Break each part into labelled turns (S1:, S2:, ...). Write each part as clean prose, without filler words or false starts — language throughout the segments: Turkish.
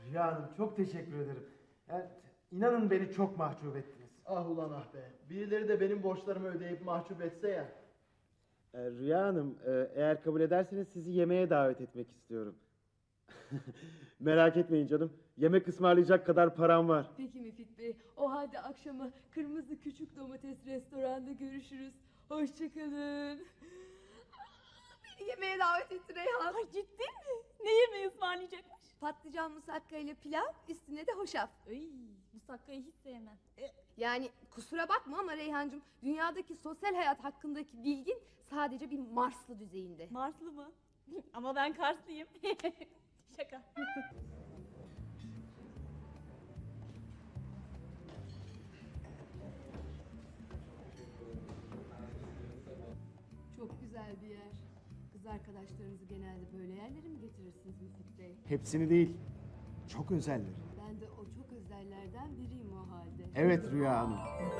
S1: Rüya Hanım çok teşekkür ederim. Yani, inanın beni çok mahcup ettiniz.
S2: Ah ulan ah be. Birileri de benim borçlarımı ödeyip mahcup etse ya.
S1: Rüya Hanım, eğer kabul ederseniz sizi yemeğe davet etmek istiyorum. Merak etmeyin canım. Yemek ısmarlayacak kadar param var.
S3: Peki Müfit Bey, o halde akşama Kırmızı Küçük Domates restoranda görüşürüz. Hoşçakalın. Beni yemeğe davet etti Reyhan.
S4: Ay ciddi mi? Ne yemeği ısmarlayacakmış?
S3: Patlıcan musakka ile pilav, üstüne de hoşaf.
S4: Ay, musakkayı hiç sevmem.
S3: Yani kusura bakma ama Reyhancığım, dünyadaki sosyal hayat hakkındaki bilgin sadece bir Marslı düzeyinde.
S4: Marslı mı? Ama ben Karslıyım. Şaka.
S3: Çok güzel bir yer. Kız arkadaşlarınızı genelde böyle yerlere mi getirirsiniz Müfit Bey?
S1: Hepsini değil. Çok özelleri.
S3: Ben de o çok özellerden biriyim o halde.
S1: Evet Rüya Hanım.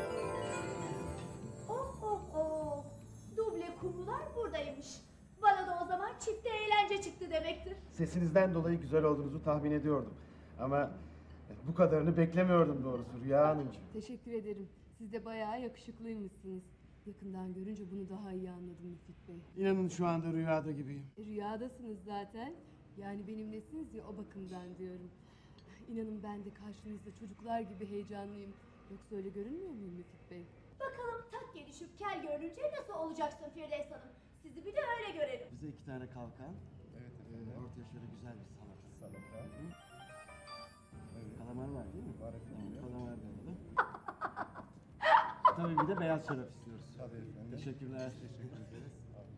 S5: Oh oh oh. Duble kumrular buradaymış. Bana da o zaman çifte eğlence çıktı demektir.
S1: Sesinizden dolayı güzel olduğunuzu tahmin ediyordum. Ama bu kadarını beklemiyordum doğrusu Rüya Hanımcığım.
S3: Teşekkür ederim. Siz de bayağı yakışıklıymışsınız. Yakından görünce bunu daha iyi anladım Müfit Bey.
S1: İnanın şu anda rüyada gibiyim.
S3: Rüyadasınız zaten. Yani benimlesiniz ya, o bakımdan diyorum. İnanın ben de karşınızda çocuklar gibi heyecanlıyım. Yoksa öyle görünmüyor muyum Müfit Bey?
S5: Bakalım tak gelişip kel görünce nasıl olacaksın Firdevs Hanım? Sizi bir de öyle görelim.
S1: Bize 2 tane kalkan. Evet. Ortaya şöyle güzel bir salata. Salata. Evet. Kalamar var değil mi? Var efendim. Tamam, kalamar da alalım. Tabii bir de beyaz şarap istiyoruz. Tabii efendim. Teşekkürler. Teşekkür ederiz.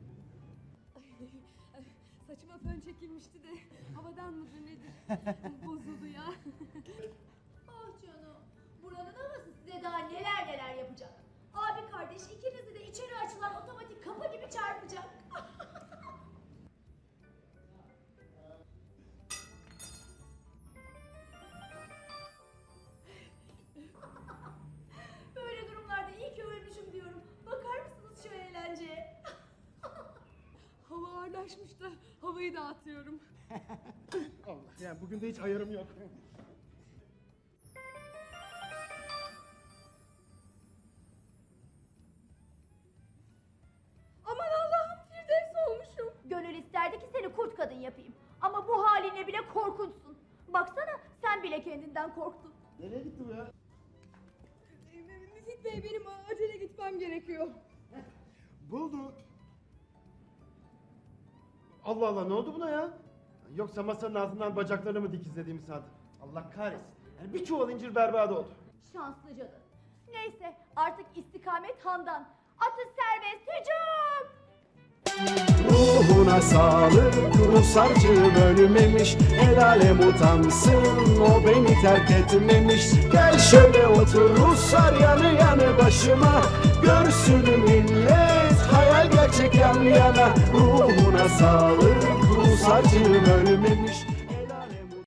S3: Saçıma fön çekilmişti de havadan mıdır nedir? Bozuldu ya.
S5: Ah canım. Buranın havası size daha neler neler yapacak. Abi kardeş ikinizi de içeri açılan otomatik kapı gibi çarpacak. Böyle durumlarda iyi ki ölmüşüm diyorum. Bakar mısınız şu eğlenceye?
S3: Hava ağırlaşmış da havayı dağıtıyorum.
S1: Allah, yani bugün de hiç ayarım yok.
S3: Aman Allah'ım, Firdevs olmuşum.
S5: Gönül isterdi ki seni kurt kadın yapayım. Ama bu haline bile korkunçsun. Baksana sen bile kendinden korktun.
S1: Nereye gitti bu ya?
S3: Müfit Bey, benim acele gitmem gerekiyor.
S1: Buldu. Allah Allah, ne oldu buna ya? Yoksa masanın altından bacaklarını mı dikizlediğimi sandı? Allah kahretsin. Yani bir çuval incir berbat oldu.
S5: Şanslıcadı. Neyse artık istikamet handan. Atı serbest hücum.
S6: Ruhuna sağlık, Rusarcı bölmemiş. El alem utansın, o beni terk etmemiş. Gel şöyle otur Ruslar yanı yanı başıma. Görsün millet, hayal gerçek yan yana. Ruhuna sağlık, Rusarcı bölmemiş.